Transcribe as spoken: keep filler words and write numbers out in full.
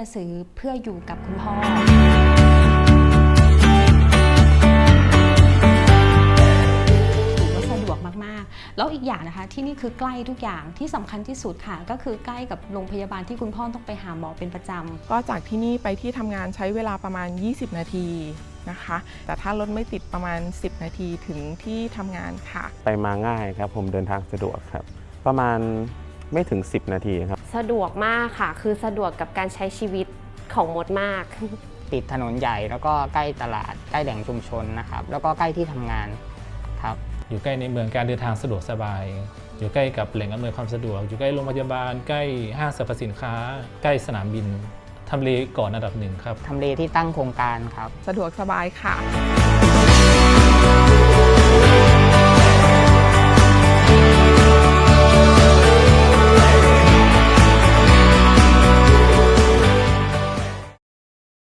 ซื้อเพื่ออยู่กับคุณพ่อสะดวกมากๆแล้วอีกอย่างนะคะที่นี่คือใกล้ทุกอย่างที่สำคัญที่สุดค่ะก็คือใกล้กับโรงพยาบาลที่คุณพ่อต้องไปหาหมอเป็นประจำก็จากที่นี่ไปที่ทำงานใช้เวลาประมาณยี่สิบนาทีนะคะแต่ถ้ารถไม่ติดประมาณสิบนาทีถึงที่ทำงานค่ะไปมาง่ายครับผมเดินทางสะดวกครับประมาณไม่ถึงสิบนาทีครับสะดวกมากค่ะคือสะดวกกับการใช้ชีวิตของมดมากติดถนนใหญ่แล้วก็ใกล้ตลาดใกล้แหล่งชุมชนนะครับแล้วก็ใกล้ที่ทำงานครับอยู่ใกล้ในเมืองการเดินทางสะดวกสบายอยู่ใกล้กับแหล่งอำนวยความสะดวกอยู่ใกล้โรงพยาบาลใกล้ห้างสรรพสินค้าใกล้สนามบินทำเลก่อนอันดับหนึ่งครับทำเลที่ตั้งโครงการครับสะดวกสบายค่ะ